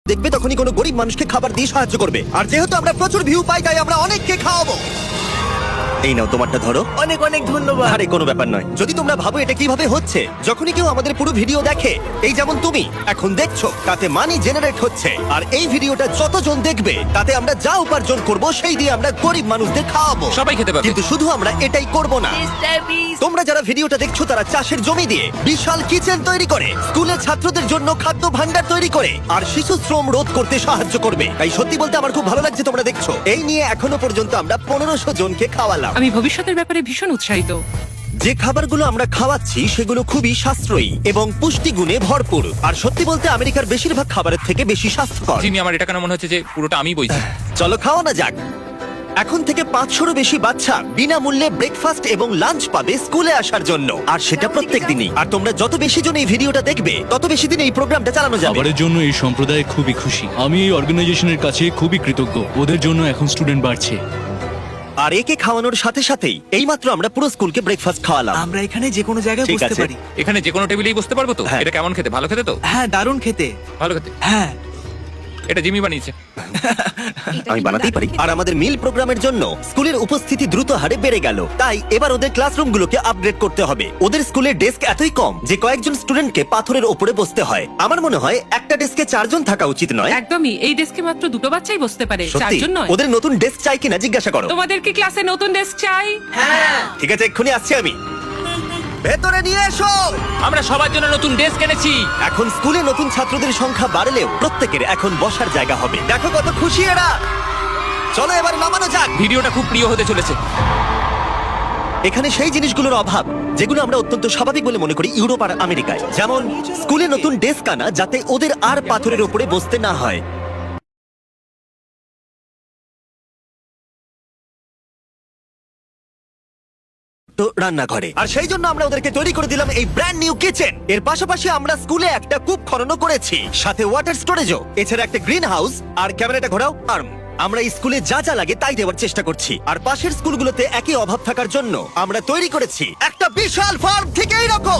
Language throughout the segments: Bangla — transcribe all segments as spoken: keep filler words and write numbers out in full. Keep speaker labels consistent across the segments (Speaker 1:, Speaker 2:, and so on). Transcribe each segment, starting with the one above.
Speaker 1: দেখবে তখনই কোনো গরিব মানুষকে খাবার দিয়ে সাহায্য করবে। আর যেহেতু আমরা প্রচুর ভিউ পাই তাই আমরা অনেককে খাওয়াবো। এই নাও তোমারটা ধরো।
Speaker 2: অনেক অনেক ধন্যবাদ।
Speaker 1: আরে কোনো ব্যাপার নয়। যদি তোমরা ভাবো এটা কিভাবে হচ্ছে, যখনই কেউ আমাদের পুরো ভিডিও দেখে, এই যেমন তুমি এখন দেখছো, তাতে মানি জেনারেট হচ্ছে। আর এই ভিডিওটা যতজন দেখবে তাতে আমরা যা উপার্জন করব সেই দিয়ে আমরা গরিব মানুষদের খাওয়াবো।
Speaker 3: সবাই খেতে পাবে।
Speaker 1: কিন্তু শুধু আমরা এটাই করব না। তোমরা যারা ভিডিওটা দেখছো তারা চাষের জমি দিয়ে বিশাল কিচেন তৈরি করে, স্কুলের ছাত্রদের জন্য খাদ্য ভান্ডার তৈরি করে, আর শিশু শ্রম রোধ করতে সাহায্য করবে। তাই সত্যি বলতে আমার খুব ভালো লাগছে তোমরা দেখছো। এই নিয়ে এখনো পর্যন্ত আমরা পনেরোশো জনকে খাওয়ালাম।
Speaker 4: আমি ভবিষ্যতের ব্যাপারে ভীষণ উৎসাহিত।
Speaker 1: যে খাবারগুলো আমরা খাওয়াচ্ছি সেগুলো খুবই সাশ্রয়ী এবং পুষ্টিগুণে ভরপুর। আর সত্যি বলতে আমেরিকার বেশিরভাগ খাবারের থেকে বেশি স্বাস্থ্যকর।
Speaker 3: জিমি, আমার এটা কেন মনে হচ্ছে যে পুরোটা আমি বইছি।
Speaker 1: চলো খাওয়ানো যাক। এখন থেকে পাঁচশোরও বেশি বাচ্চা বিনামূল্যে ব্রেকফাস্ট এবং লাঞ্চ পাবে স্কুলে আসার জন্য, আর সেটা প্রত্যেক দিনই। আর তোমরা যত বেশি জন এই ভিডিওটা দেখবে তত বেশি দিন এই প্রোগ্রামটা চালানো যাবে।
Speaker 5: খাবারের জন্য এই সম্প্রদায় খুবই খুশি। আমি এই অর্গানাইজেশনের কাছে খুবই কৃতজ্ঞ। ওদের জন্য এখন স্টুডেন্ট বাড়ছে।
Speaker 1: আর একে খাওয়ানোর সাথে সাথেই এইমাত্র আমরা পুরো স্কুলকে ব্রেকফাস্ট খাওয়ালাম।
Speaker 2: আমরা এখানে যে কোনো জায়গায়
Speaker 1: ঠিক
Speaker 2: বসতে
Speaker 1: আছে।
Speaker 2: পারি।
Speaker 3: এখানে যে কোনো টেবিলেই বসতে পারবো তো?
Speaker 1: হ্যাঁ।
Speaker 3: এটা কেমন খেতে? ভালো খেতে তো?
Speaker 2: হ্যাঁ, দারুণ খেতে।
Speaker 3: ভালো খেতে।
Speaker 2: হ্যাঁ,
Speaker 3: এটা জিমি বানিয়েছে।
Speaker 1: আমি বানাতেই পারি। আর আমাদের মিল প্রোগ্রামের জন্য স্কুলের উপস্থিতি দ্রুত হারে বেড়ে গেল। তাই এবার ওদের ক্লাসরুমগুলোকে আপগ্রেড করতে হবে। ওদের স্কুলের ডেস্ক এতই কম যে কয়েকজন স্টুডেন্টকে পাথরের উপরে বসতে হয়। আমার মনে হয় একটা ডেস্কে চারজন থাকা উচিত নয়।
Speaker 4: একদমই, এই ডেস্কে মাত্র দুটো বাচ্চাই বসতে পারে,
Speaker 1: সত্যি?
Speaker 4: চারজন নয়।
Speaker 1: ওদের নতুন ডেস্ক চাই কিনা জিজ্ঞাসা করো।
Speaker 4: তোমাদের কি ক্লাসে নতুন ডেস্ক চাই?
Speaker 1: ঠিক আছে, এক্ষুনি আসছি আমি। ভেতরে নিয়ে এসো।
Speaker 3: আমরা সবার জন্য নতুন ডেস্ক এনেছি।
Speaker 1: এখন স্কুলে নতুন ছাত্রদের সংখ্যা বাড়লেও প্রত্যেকের এখন বসার জায়গা হবে। দেখো কত খুশি এরা। চলো এবার নামানো যাক।
Speaker 3: ভিডিওটা খুব প্রিয় হতে চলেছে।
Speaker 1: এখানে সেই জিনিসগুলোর অভাব যেগুলো আমরা অত্যন্ত স্বাভাবিক বলে মনে করি ইউরোপ আর আমেরিকায়, যেমন স্কুলে নতুন ডেস্ক আনা যাতে ওদের আর পাথরের উপরে বসতে না হয়। তো রান্নাঘরে, আর সেই জন্য আমরা ওদেরকে তৈরি করে দিলাম এই ব্র্যান্ড নিউ কিচেন। এর পাশাপাশি আমরা স্কুলে একটা কূপ খননও করেছি, সাথে ওয়াটার স্টোরেজও, এছাড়া একটা গ্রিন হাউস। আর ক্যামেরাটা ঘোরাও। আর্ম আমরা এই স্কুলে যা যা লাগে তাই দেওয়ার চেষ্টা করছি। আর পাশের স্কুলগুলোতে একই অভাব থাকার জন্য আমরা তৈরি করেছি একটা বিশাল ফার্ম ঠিক এইরকম।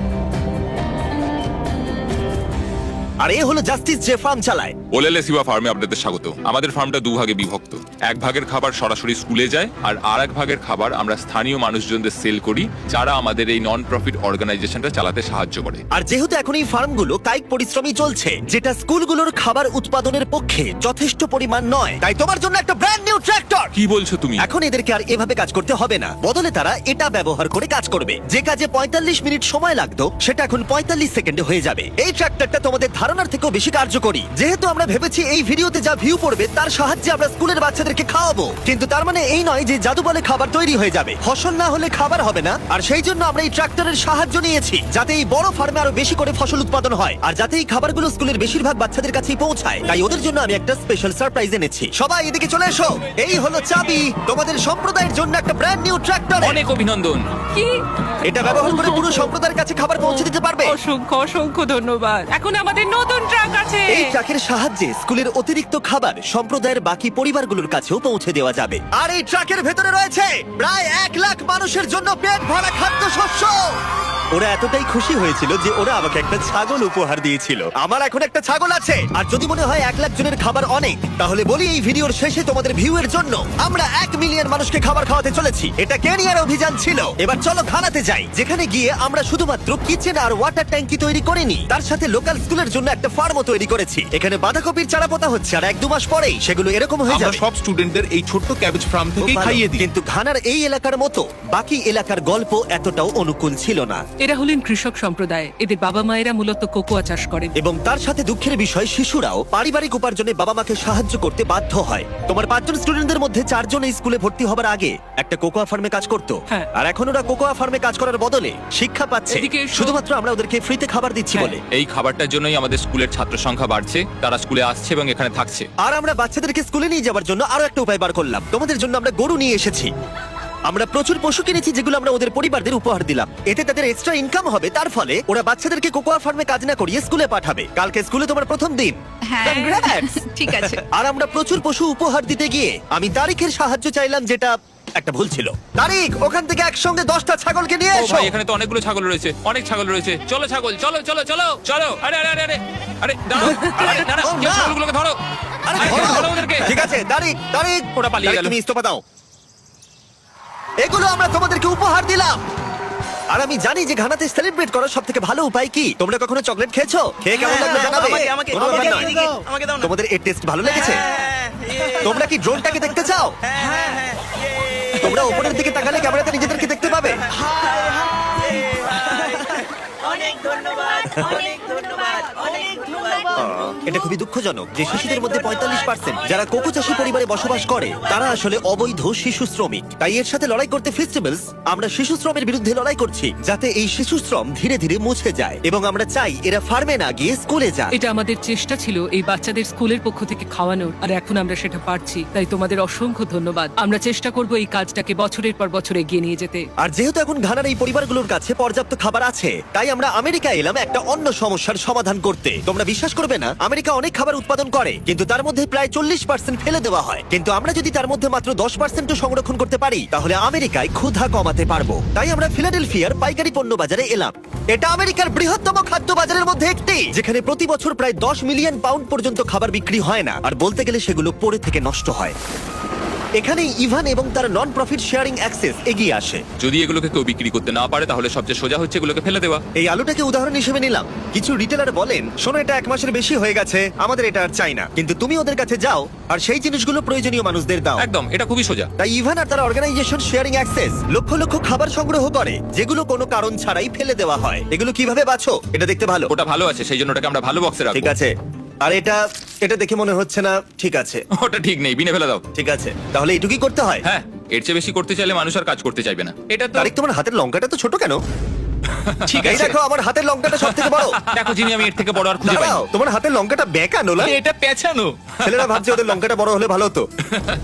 Speaker 1: আর এ হলো জাস্টিস যে ফার্ম চালায়।
Speaker 6: ওলেলে সিবা ফার্মে আপনাদের স্বাগত। আমাদের ফার্মটা দুভাগে বিভক্ত। এক ভাগের খাবার সরাসরি স্কুলে যায়, আর আর এক ভাগের খাবার আমরা স্থানীয় মানুষজনদের সেল করি, যারা আমাদের এই নন প্রফিট অর্গানাইজেশনটা চালাতে সাহায্য করে।
Speaker 1: আর যেহেতু এখন এই ফার্মগুলো কায়িক পরিশ্রমী চলছে, যেটা স্কুলগুলোর খাবার উৎপাদনের পক্ষে যথেষ্ট পরিমাণ নয়, তাই তোমার জন্য একটা ব্র্যান্ড নিউ ট্র্যাক্টর।
Speaker 6: কি বলছো তুমি?
Speaker 1: এখন এদেরকে আর এভাবে কাজ করতে হবে না, বদলে তারা এটা ব্যবহার করে কাজ করবে। যে কাজে পঁয়তাল্লিশ মিনিট সময় লাগতো সেটা এখন পঁয়তাল্লিশ সেকেন্ডে হয়ে যাবে। এই ট্র্যাক্টরটা তোমাদের ধারণার থেকেও বেশি কার্যকরী। যেহেতু আমরা ভেবেছি এই ভিডিওতে যা ভিউ পড়বে তার সাহায্যে আমরা স্কুলের বাচ্চাদেরকে খাওয়াবো, কিন্তু তার মানে এই নয় যে জাদু বলে খাবার তৈরি হয়ে যাবে। ফসল না হলে খাবার হবে না। আর সেই জন্য আমরা এই ট্রাক্টরের সাহায্য নিয়েছি, যাতে এই বড় ফার্মে আরো বেশি করে ফসল উৎপাদন হয়, আর যাতে এই খাবারগুলো স্কুলের বেশিরভাগ বাচ্চাদের কাছেই পৌঁছায়। তাই ওদের জন্য আমি একটা স্পেশাল সারপ্রাইজ এনেছি। সবাই এদিকে চলে এসো। এই হলো চাবি তোমাদের সম্প্রদায়ের জন্য একটা ব্র্যান্ড নিউ ট্রাক্টর।
Speaker 3: অনেক অভিনন্দন।
Speaker 4: কি?
Speaker 1: এটা ব্যবহার করে পুরো সম্প্রদায়ের কাছে খাবার পৌঁছে দিতে পারবে।
Speaker 4: অসংখ্য অসংখ্য ধন্যবাদ। এখন আমাদের নতুন ট্রাক আছে।
Speaker 1: এই ট্রাকের সাহায্যে স্কুলের অতিরিক্ত খাবার সম্প্রদায়ের বাকি পরিবারগুলোর কাছেও পৌঁছে দেওয়া যাবে। আর এই ট্রাকের ভেতরে রয়েছে প্রায় এক লাখ মানুষের জন্য পেট ভরা খাদ্যশস্য। ওরা এতটাই খুশি হয়েছিল যে ওরা আমাকে একটা ছাগল উপহার দিয়েছিল। আমার এখন একটা ছাগল আছে। আর যদি মনে হয় এক লাখ জনের খাবার অনেক, তাহলে বলি এই ভিডিওর শেষে তোমাদের ভিউ এর জন্য আমরা এক মিলিয়ন মানুষকে খাবার খাওয়াতে চলেছি। এটা কেনিয়ার অভিযান ছিল। এবার চলো ঘানাতে যাই, যেখানে গিয়ে আমরা শুধুমাত্র কিচেন আর ওয়াটার ট্যাঙ্কি তৈরি করিনি, তার সাথে লোকাল স্কুলের জন্য একটা ফার্মও তৈরি করেছি। এখানে বাঁধাকপির চারা পোতা হচ্ছে, আর এক দু মাস পরেই সেগুলো এরকম হয়ে
Speaker 7: আমরা
Speaker 1: যাবে।
Speaker 7: সব স্টুডেন্টদের এই ছোট্ট ক্যাবেজ ফার্ম থেকেই খাইয়ে দিই।
Speaker 1: কিন্তু ঘানার এই এলাকার মতো বাকি এলাকার গল্প এতটাও অনুকূল ছিল না।
Speaker 4: এরা হলেন কৃষক সম্প্রদায়। এদের বাবা মায়েরা মূলত কোকোয়া চাষ করেন।
Speaker 1: এবং তার সাথে দুঃখের বিষয়, শিশুরাও পারিবারিক উপার্জনে বাবা মাকে সাহায্য করতে বাধ্য হয়। তোমার পাঁচজন স্টুডেন্টদের মধ্যে চারজন এই স্কুলে ভর্তি হবার আগে একটা কোকোয়া ফার্মে কাজ করতো।
Speaker 4: হ্যাঁ।
Speaker 1: আর এখন ওরা কোকোয়া ফার্মে কাজ করার বদলে শিক্ষা পাচ্ছে,
Speaker 4: এদিকে এসো।
Speaker 1: শুধুমাত্র আমরা ওদেরকে ফ্রিতে খাবার দিচ্ছি
Speaker 4: হ্যাঁ।
Speaker 1: বলে।
Speaker 3: এই খাবারটার জন্যই আমাদের স্কুলের ছাত্র সংখ্যা বাড়ছে, তারা স্কুলে আসছে এবং এখানে থাকছে।
Speaker 1: আর আমরা বাচ্চাদেরকে স্কুলে নিয়ে যাওয়ার জন্য আরো একটা উপায় বার করলাম। তোমাদের জন্য আমরা গরু নিয়ে এসেছি। আমরা প্রচুর পশু কিনেছি যেগুলো আমরা ওদের পরিবারদের উপহার দিলাম। এতে তাদের এক্সট্রা ইনকাম হবে, তার ফলে ওরা বাচ্চাদেরকে কোকোয়া ফার্মে কাজ না করিয়ে স্কুলে পাঠাবে। কালকে স্কুলে তোমার প্রথম দিন।
Speaker 8: হ্যাঁ।
Speaker 1: Congrats!
Speaker 8: ঠিক আছে।
Speaker 1: আর আমরা প্রচুর পশু উপহার দিতে গিয়ে আমি তারিখের সাহায্য চাইলাম, যেটা একটা ভুল ছিল। তারিখ, ওখান থেকে একসঙ্গে দশটা ছাগলকে নিয়ে
Speaker 3: ও
Speaker 1: এসো।
Speaker 3: ভাই, এখানে তো অনেকগুলো ছাগল রয়েছে, অনেক ছাগল রয়েছে। চলো ছাগল, চলো চলো চলো চলো। আরে আরে আরে আরে আরে দাঁড়াও, আরে দাঁড়াও,
Speaker 1: ও,
Speaker 3: কেউ
Speaker 1: না।
Speaker 3: ছাগলগুলো
Speaker 1: আরে
Speaker 3: আরে,
Speaker 1: ধরো।
Speaker 3: ধরো ওদেরকে।
Speaker 1: ঠিক আছে তারিক তারিক
Speaker 3: ওরা পালিয়ে
Speaker 1: তারিক,
Speaker 3: গেল।
Speaker 1: তুমি ইস্তফা দাও। এগুলো আমরা তোমাদেরকে উপহার দিলাম। আর আমি জানি যে ঘানাতে সেলিব্রেট করার সব থেকে ভালো উপায় কি। তোমরা কখনো চকলেট খেয়েছো? খেয়ে কেমন লাগলো জানাবে।
Speaker 2: আমাকে আমাকে
Speaker 1: কোনো ব্যাপার
Speaker 2: আমাকে
Speaker 1: নয়।
Speaker 2: এদিকে, আমাকে দাও না।
Speaker 1: তোমাদের এর টেস্ট ভালো লেগেছে?
Speaker 2: হ্যাঁ, ইয়ে।
Speaker 1: তোমরা কি ড্রোনটাকে দেখতে চাও?
Speaker 2: হ্যাঁ, হ্যাঁ, ইয়ে।
Speaker 1: তোমরা উপরের দিকে তাকালে ক্যামেরাতে নিজেদেরকে দেখতে পাবে।
Speaker 2: অনেক ধন্যবাদ অনেক ধন্যবাদ অনেক ধন্যবাদ।
Speaker 1: এটা খুবই দুঃখজনক যে শিশুদের মধ্যে পঁয়তাল্লিশ পার্সেন্ট যারা কোকো চাষী পরিবারে বসবাস করে তারা আসলে অবৈধ শিশু শ্রমিক। তাই এর সাথে লড়াই করতে ফেস্টিভ্যালস আমরা শিশু শ্রমের বিরুদ্ধে লড়াই করছি, যাতে এই শিশু শ্রম ধীরে ধীরে মুছে যায় এবং আমরা চাই এরা ফার্মে না গিয়ে স্কুলে যায়।
Speaker 4: এটা আমাদের চেষ্টা ছিল এই বাচ্চাদের স্কুলের পক্ষ থেকে খাওয়ানোর, আর এখন আমরা সেটা পারছি। তাই তোমাদের অসংখ্য ধন্যবাদ। আমরা চেষ্টা করব এই কাজটাকে বছরের পর বছর এগিয়ে নিয়ে যেতে।
Speaker 1: আর যেহেতু এখন ঘানার এই পরিবারগুলোর কাছে পর্যাপ্ত খাবার আছে, তাই আমরা আমেরিকা এলাম একটা অন্য সমস্যার সমাধান করতে। তোমরা বিশ্বাস করবে না, আমেরিকা অনেক খাবার উৎপাদন করে কিন্তু তার মধ্যে প্রায় চল্লিশ পার্সেন্ট ফেলে দেওয়া হয়। কিন্তু আমরা যদি তার মধ্যে মাত্র দশ পার্সেন্ট সংরক্ষণ করতে পারি তাহলে আমেরিকায় ক্ষুধা কমাতে পারবো। তাই আমরা ফিলাডেলফিয়ার পাইকারি পণ্য বাজারে এলাম। এটা আমেরিকার বৃহত্তম খাদ্য বাজারের মধ্যে একটি, যেখানে প্রতি বছর প্রায় দশ মিলিয়ন পাউন্ড পর্যন্ত খাবার বিক্রি হয় না, আর বলতে গেলে সেগুলো পড়ে থেকে নষ্ট হয়। এখানেই ইভান এবং তার নন প্রফিট শেয়ারিং অ্যাক্সেস এগিয়ে আসে।
Speaker 3: যদি এগুলোকে কেউ বিক্রি করতে না পারে তাহলে সবচেয়ে সোজা হচ্ছে এগুলোকে ফেলে দেওয়া।
Speaker 1: এই আলুটাকে উদাহরণ হিসেবে নিলাম। কিছু রিটেলার বলেন, শোনো এটা এক মাসের বেশি হয়ে গেছে, আমাদের এটা আর চাই না। কিন্তু তুমি ওদের কাছে যাও আর সেই জিনিসগুলো প্রয়োজনীয় মানুষদের দাও।
Speaker 3: একদম, এটা খুবই সোজা।
Speaker 1: তাই ইভান আর তার অর্গানাইজেশন শেয়ারিং অ্যাক্সেস লক্ষ লক্ষ খাবার সংগ্রহ করে যেগুলো কোনো কারণ ছাড়াই ফেলে দেওয়া হয়। এগুলো কিভাবে বাছো? এটা দেখতে ভালো।
Speaker 3: ওটা ভালো আছে, সেই জন্য ওটাকে আমরা ভালো বক্সে
Speaker 1: ঠিক
Speaker 3: রাখবো।
Speaker 1: আছে। আর এটা এটা দেখে মনে হচ্ছে না ঠিক আছে।
Speaker 3: ওটা ঠিক নেই, বিনে ফেলে দাও।
Speaker 1: ঠিক আছে, তাহলে এটুকুই করতে হয়।
Speaker 3: হ্যাঁ, এর চেয়ে বেশি করতে চাইলে মানুষ আর কাজ করতে চাইবে না। এটা তো
Speaker 1: তারিক, তোমার হাতের লঙ্কাটা তো ছোট কেন?
Speaker 3: ঠিক
Speaker 1: এই
Speaker 3: আছে।
Speaker 1: দেখো, আমার হাতের লঙ্কাটা সব থেকে বড়।
Speaker 3: দেখো জিনি, আমি এর থেকে বড় আর খুঁজে পাই
Speaker 1: দাঁড়াও, তোমার হাতের লঙ্কাটা বেঁকানো না?
Speaker 3: এটা পেছানো।
Speaker 1: ছেলেরা ভাবছে ওদের লঙ্কাটা বড় হলে ভালো হতো।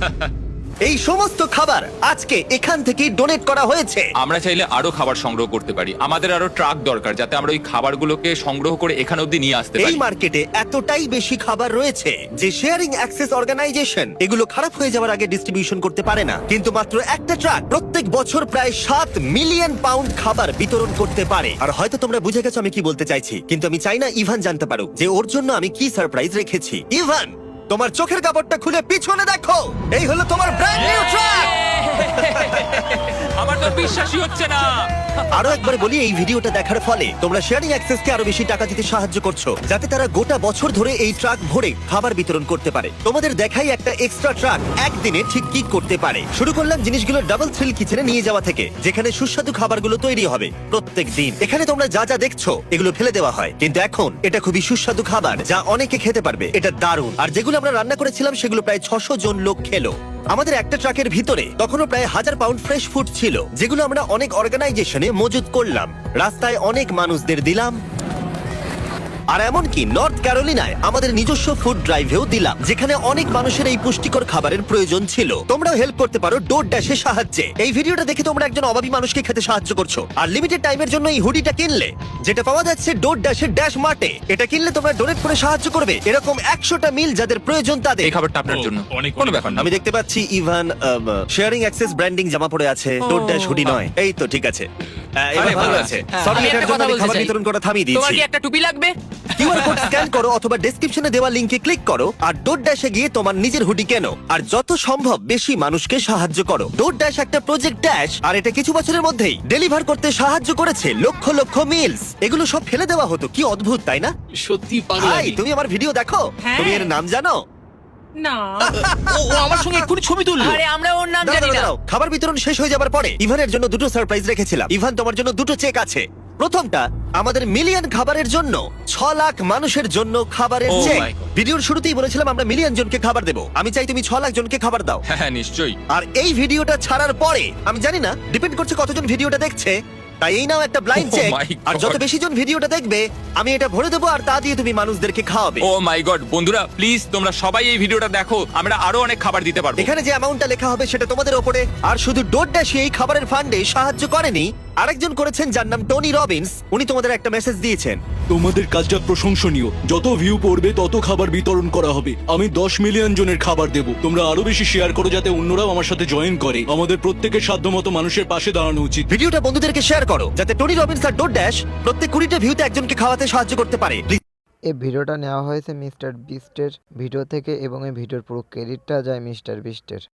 Speaker 1: এই সমস্ত খাবার আজকে এখান থেকেই ডোনেট করা হয়েছে।
Speaker 3: আমরা চাইলে আরো খাবার সংগ্রহ করতে পারি। আমাদের আরো ট্রাক দরকার যাতে আমরা ওই খাবারগুলোকে সংগ্রহ করে এখানে অবধি নিয়ে আসতে
Speaker 1: এই
Speaker 3: পারি।
Speaker 1: মার্কেটে এতটাই বেশি খাবার রয়েছে যে শেয়ারিং অ্যাক্সেস অর্গানাইজেশন এগুলো খারাপ হয়ে যাওয়ার আগে ডিস্ট্রিবিউশন করতে পারে না। কিন্তু মাত্র একটা ট্রাক প্রত্যেক বছর প্রায় সাত মিলিয়ন পাউন্ড খাবার বিতরণ করতে পারে। আর হয়তো তোমরা বুঝে গেছো আমি কি বলতে চাইছি, কিন্তু আমি চাই না ইভান জানতে পারুক যে ওর জন্য আমি কি সারপ্রাইজ রেখেছি। ইভান, তোমার চোখের কাপড়টা খুলে পিছনে দেখো, এই হলো তোমার ব্র্যান্ড নিউ ট্রাক।
Speaker 3: আমার তো বিশ্বাসই হচ্ছে না।
Speaker 1: আরো একবার বলি, এই ভিডিওটা দেখার ফলে তোমরা শেয়ারিং অ্যাক্সেসকে আরো বেশি টাকা দিতে সাহায্য করছো, যাতে তারা গোটা বছর ধরে এই ট্রাক ভরে খাবার বিতরণ করতে পারে। তোমাদের দেখাই একটা এক্সট্রা ট্রাক একদিনে ঠিক কি করতে পারে। শুরু করলাম জিনিসগুলো ডাবল থ্রিল কিচেনে নিয়ে যাওয়া থেকে, যেখানে সুস্বাদু খাবারগুলো তৈরি হবে প্রত্যেক দিন। এখানে তোমরা যা যা দেখছো এগুলো ফেলে দেওয়া হয়, কিন্তু এখন এটা খুবই সুস্বাদু খাবার যা অনেকে খেতে পারবে। এটা দারুণ। আর যেগুলো আমরা রান্না করেছিলাম সেগুলো প্রায় ছশো জন লোক খেলো। আমাদের একটা ট্রাকের ভিতরে তখনও প্রায় হাজার পাউন্ড ফ্রেশ ফুড ছিল, যেগুলো আমরা অনেক অর্গানাইজেশনে মজুত করলাম। রাস্তায় অনেক মানুষদের দিলাম, আর এমনকি নর্থ ক্যারোলিনায় আমাদের নিজস্ব ফুড ড্রাইভেও দিলাম, যেখানে অনেক মানুষের এই পুষ্টিকর খাবারের প্রয়োজন ছিল। তোমরাও হেল্প করতে পারো ডোর ড্যাশের সাহায্যে। এই ভিডিওটা দেখে তোমরা একজন অভাবী মানুষকে খেতে সাহায্য করছো। আর লিমিটেড টাইমের জন্য এই হুডিটা কিনলে, যেটা পাওয়া যাচ্ছে ডোর ড্যাশের ড্যাশ মার্টে, এটা কিনলে তোমরা ডোনেট করে সাহায্য করবে এরকম একশোটা মিল যাদের প্রয়োজন তাদের।
Speaker 3: এই খাবারটা আপনার জন্য কোনো ব্যাপার না।
Speaker 1: আমি দেখতে পাচ্ছি ইভান শেয়ারিং অ্যাক্সেস ব্র্যান্ডিং জামা পরে আছে, ডোর ড্যাশ হুডি নয়। এই তো ঠিক আছে, আহ, এবার
Speaker 3: আরে,
Speaker 1: ভালো
Speaker 3: ভালো
Speaker 1: আছে।
Speaker 3: আছে।
Speaker 1: সরি,
Speaker 8: আমি
Speaker 1: এটার
Speaker 8: একটা
Speaker 1: জন্য
Speaker 8: কথা
Speaker 1: আমি
Speaker 8: বলতে
Speaker 1: খাবার
Speaker 8: চাই।
Speaker 1: বিতরণ করা থামিয়ে
Speaker 8: তোমার
Speaker 1: দিয়েছি।
Speaker 8: কি একটা টুপি লাগবে?
Speaker 1: কিউআর কোড স্ক্যান করো অথবা ডেসক্রিপশনে দেওয়া লিংকে ক্লিক করো আর ডোর ড্যাশে গিয়ে তোমার নিজের হুডি কেনো আর যত সম্ভব বেশি মানুষকে সাহায্য করো। ডোর ড্যাশ একটা প্রজেক্ট ড্যাশ, আর এটা কিছু বছরের মধ্যেই ডেলিভার করতে সাহায্য করেছে লক্ষ লক্ষ মিলস। এগুলো সব ফেলে দেওয়া হতো, কি অদ্ভুত তাই না?
Speaker 5: সত্যি
Speaker 1: ভাই, তুমি আমার ভিডিও দেখো,
Speaker 4: হ্যাঁ।
Speaker 1: তুমি এর নাম জানো?
Speaker 4: না,
Speaker 5: ও ও আমার সঙ্গে এক্ষুনি ছবি তুললো।
Speaker 8: আরে আমরা ওর নাম
Speaker 1: দাঁড়াও,
Speaker 8: জানি না।
Speaker 1: দাঁড়াও, খাবার বিতরণ শেষ হয়ে যাবার পরে ইভানের জন্য দুটো সারপ্রাইজ রেখেছিলাম। ইভান, তোমার জন্য দুটো চেক আছে। প্রথমটা আমাদের মিলিয়ন খাবারের জন্য, ছ লাখ মানুষের জন্য খাবারের
Speaker 3: Oh
Speaker 1: চেক।
Speaker 3: my God.
Speaker 1: ভিডিওর শুরুতেই বলেছিলাম আমরা মিলিয়ন জনকে খাবার দেবো। আমি চাই তুমি ছ লাখ জনকে খাবার দাও।
Speaker 3: হ্যাঁ হ্যাঁ, নিশ্চয়ই।
Speaker 1: আর এই ভিডিওটা ছাড়ার পরে আমি জানি না, ডিপেন্ড করছে কতজন ভিডিওটা দেখছে, তাই এই নাও একটা ব্লাইন্ড
Speaker 3: Oh
Speaker 1: চেক।
Speaker 3: my
Speaker 1: আর যত
Speaker 3: God.
Speaker 1: বেশি জন ভিডিওটা দেখবে আমি এটা ভরে দেবো আর তা দিয়ে তুমি মানুষদেরকে খাওয়াবে।
Speaker 3: ও মাই গড, বন্ধুরা প্লিজ তোমরা সবাই এই ভিডিওটা দেখো, আমরা আরো অনেক খাবার দিতে পারবো।
Speaker 1: এখানে যে অ্যামাউন্টটা লেখা হবে সেটা তোমাদের ওপরে। আর শুধু ডোর ড্যাশ এই খাবারের ফান্ডে সাহায্য করেনি, আরেকজন করেছেন যার নাম টনি রবিন্স। উনি তোমাদের একটা মেসেজ দিয়েছেন।
Speaker 5: তোমাদের কাজটা প্রশংসনীয়। যত ভিউ পড়বে তত খাবার বিতরণ করা হবে। আমি দশ মিলিয়ন জনের খাবার দেব। তোমরা আরো বেশি শেয়ার করো যাতে অন্যরাও আমার সাথে জয়েন করে। আমাদের প্রত্যেকের সাধ্যমতো মানুষের পাশে দাঁড়ানো উচিত।
Speaker 1: ভিডিওটা বন্ধুদেরকে শেয়ার করো যাতে টনি রবিন্স আর ডোর ড্যাশ প্রত্যেক কুড়িটা ভিউতে একজনকে খাওয়াতে সাহায্য করতে পারে। Please
Speaker 8: এই ভিডিওটা নেওয়া হয়েছে মিস্টার বিস্টের ভিডিও থেকে এবং এই ভিডিওর পুরো ক্রেডিটটা যায় মিস্টার বিস্টের।